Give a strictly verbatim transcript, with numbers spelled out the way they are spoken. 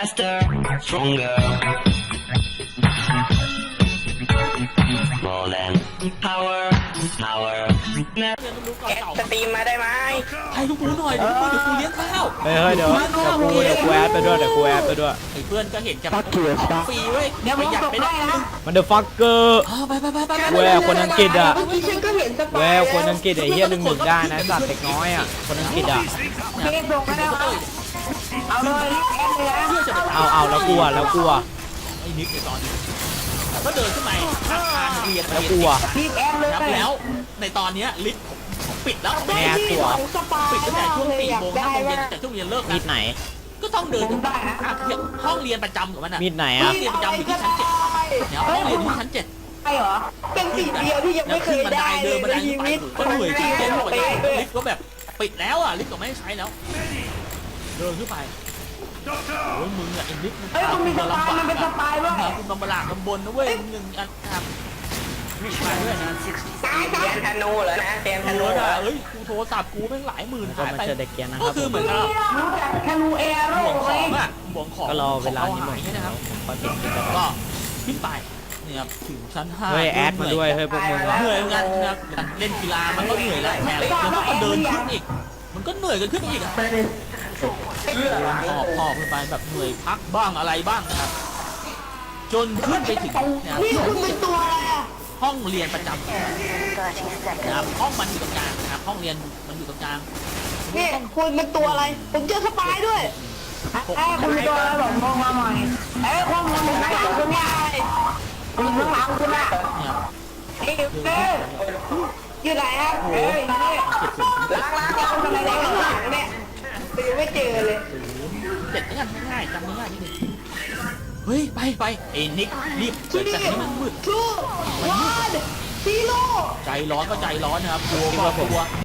faster, stronger, more than power, power. สตรีมมาได้ไหมให้ลูกกูหน่อยเดี๋ยวกูเดี๋ยวกูเลี้ยงข้าวเฮ้ยเฮ้ยเดี๋ยวเดี๋ยวกูเดี๋ยวกูแอดไปด้วยเดี๋ยวกูแอดไปด้วยไอ้เพื่อนก็เห็นจะของฟรีเว้ยเดี๋ยวปผมระหยัดส่งไปให้ได้นะมันเดอะฟักเกอร์อ๋อไปไปไปไปไปแววคนอังกฤษอ่ะเมื่อกี้ฉันก็เห็นสปายแววคนอังกฤษไอ้เหี้ยหนึ่งหนึ่งได้นะสัตว์เด็กน้อยอ่ะคนอังกฤษอ่ะเทส่งมาแล้วเอาเลยรีบแอดเลยนะเพื่อจะไปเอาเอาแล้วกลัวแล้วกลัวไอ้นิกในตอนนี้ก็เดินขึ้นมาอาคารเรียนแล้วกลัวรีบแอดเลยครับแล้วในตอนนี้ลิฟต์ของปิดแล้วแม่ตัวสปายปิดตั้งแต่ช่วงสี่อยากโมงได้ห้าโมงเย็ว่านแต่ช่วงเรียนเลิกมีนะดไหนก็ต้องเดินขึ้นมาห้องเรียนประจำของมันอ่ะมีดไหนห้อ่ะองเรียนประจำอยู่ที่ชั้นเจ็ดเนี่ยห้องเรียนอยู่ที่ชั้นเจ็ดใช่เหรอเป็นสิ่งเดียวที่ยังไม่เคยได้เดิเลนยบันในไดชีไปวิตก็เหนื่อยจริงๆเป๊บอกเลยะลิฟต์ก็แบบปิดแล้วอ่ะลิฟต์ก็ไม่ให้ใช้แล้ว เดินขึ้นไปโอ้ยมึงอะไอ้ลิฟต์มึงเฮ้ยมันมีสปายมันเป็นสปายด้วยคุณลำบากลำบนนะเว้ยหนึ่งอันครับมาด้วยนะตายเตรียมธนูเหรอนะเตรียมธธนูนูเหรออ่ะเฮ้ยกูโทรศัพท์กูแม่งหลายหมื่นก็หายมาไปเจอเด็กเกียร์นะคก็รับคือเหมือนกับรู้จักธนูเอโร่ห่วงไหขมองอ่ะห่วงของก็รอเวลานี้หมหาดยนะครับพอติดติดกันก็ขึ้นไปเนี่ยครับถึงชั้นห้าเฮ้ยแอดมาด้วยเฮ้ยพวกมึงอ่ะเหนื่อยเหมือนกันนะครับเล่นกีฬามันก็เหนื่อยแล้วแถมยังต้องเดินขึ้นอีก มันก็เหนื่อยกันขึ้นอีกอะหอบหอบขึ้นไปแบบเหนื่อยพักบ้างอะไรบ้างนะครับจนขึ้นไปถึงนะครับนี่คุณเป็นตัวอะไรอ่ะห้องเรียนประจำนะครับห้องมันอยู่ตรงกลางนะครับห้องเรียนมันอยู่ตรงกลางนี่คุณเป็นตัวอะไรผมเจอสปายด้วยไอ้คุณเป็นตัวอะไรบอกมองมาหน่อยไอ้คุณมันเป็นข้างหลังคุณไงคุณข้างหลังคุณอ่ะเนี่ยไอ้เอ้ยอยู่ไหนครับเอ้ยนี่ล้างล้างล้างทำไมในข้างหลังเนี่ยตีไม่เจอเลยเจ็ดกันง่ายจำง่ายนิดนึงเฮ้ยไปไปเอ็นิกรีบเปิดแต่ที่มันมืดทูวันซีโร่ใจร้อนก็ใจร้อนนะครับกลัวก็กลัว